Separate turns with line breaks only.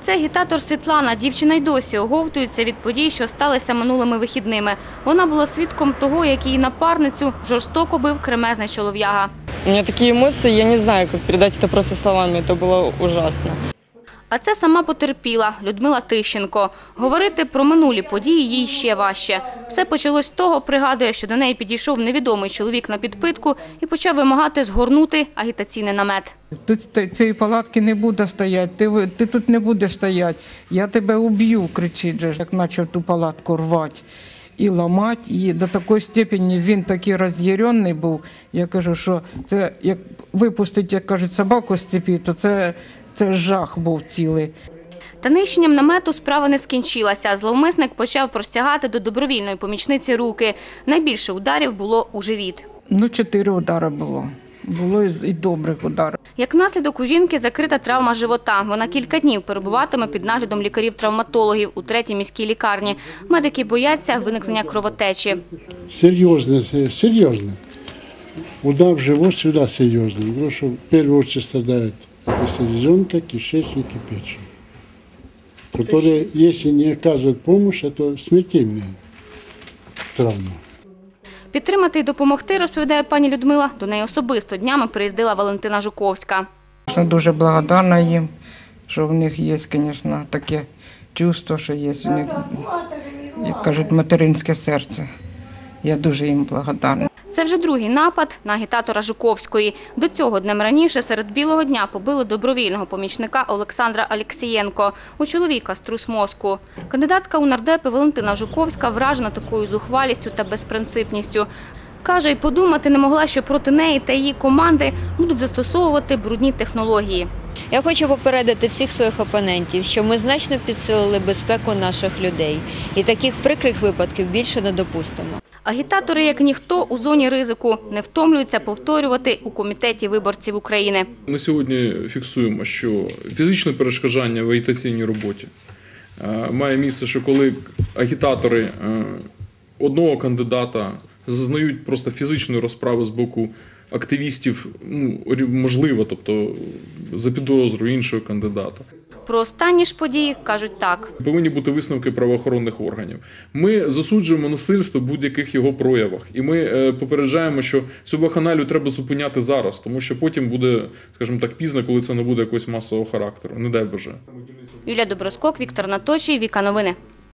це агітатор Світлана. Дівчина й досі оговтується від подій, що сталися минулими вихідними. Вона була свідком того, як її напарницю жорстоко бив кремезний чолов'яга.
У мене такі емоції, я не знаю, як передати це просто словами, це було ужасно.
А це сама потерпіла Людмила Тищенко. Говорити про минулі події їй ще важче. Все почалось з того, пригадує, що до неї підійшов невідомий чоловік на підпитку і почав вимагати згорнути агітаційний намет.
Тут цієї палатки не буде стояти, ти тут не будеш стояти, я тебе уб'ю, кричить же, як почав ту палатку рвати і ламати. І до такої степені він такий роз'ярений був, я кажу, що це як випустити, як кажуть, собаку з цепі, то це жах був цілий.
Та нищенням намету справа не скінчилася. Зловмисник почав простягати до добровільної помічниці руки. Найбільше ударів було у живіт.
4 удари було. Було і добрих ударів.
Як наслідок, у жінки закрита травма живота. Вона кілька днів перебуватиме під наглядом лікарів-травматологів у 3-й міській лікарні. Медики бояться виникнення кровотечі.
Серйозно. Удар в живот сюди серйозний, тому що в першу чергу страдає селезенка, кишечник и печень, которые, если не оказывают помощь, это смертельная травма.
Підтримати і допомогти, розповідає пані Людмила, до неї особисто днями приїздила Валентина Жуковська.
Я дуже благодарна їм, що в них є, звісно, таке чувство, що є у них, як кажуть, материнське серце. Я дуже їм благодарна.
Це вже другий напад на агітатора Жуковської. До цього днем раніше серед білого дня побили добровільного помічника Олександра Алєксєєнко. У чоловіка струс мозку. Кандидатка у нардепи Валентина Жуковська вражена такою зухвалістю та безпринципністю. Каже, й подумати не могла, що проти неї та її команди будуть застосовувати брудні технології.
Я хочу попередити всіх своїх опонентів, що ми значно підсилили безпеку наших людей. І таких прикрих випадків більше не допустимо.
Агітатори, як ніхто, у зоні ризику, не втомлюються повторювати у Комітеті виборців України.
Ми сьогодні фіксуємо, що фізичне перешкоджання в агітаційній роботі має місце, що коли агітатори одного кандидата зазнають просто фізичної розправи з боку активістів, можливо, тобто за підозрою іншого кандидата.
Про останні ж події кажуть так.
Повинні бути висновки правоохоронних органів. Ми засуджуємо насильство в будь-яких його проявах. І ми попереджаємо, що цю вакханалію треба зупиняти зараз, тому що потім буде, скажімо так, пізно, коли це не буде якогось масового характеру. Не дай Боже.
Юлія Доброскок, Віктор Наточій, Віка Новини.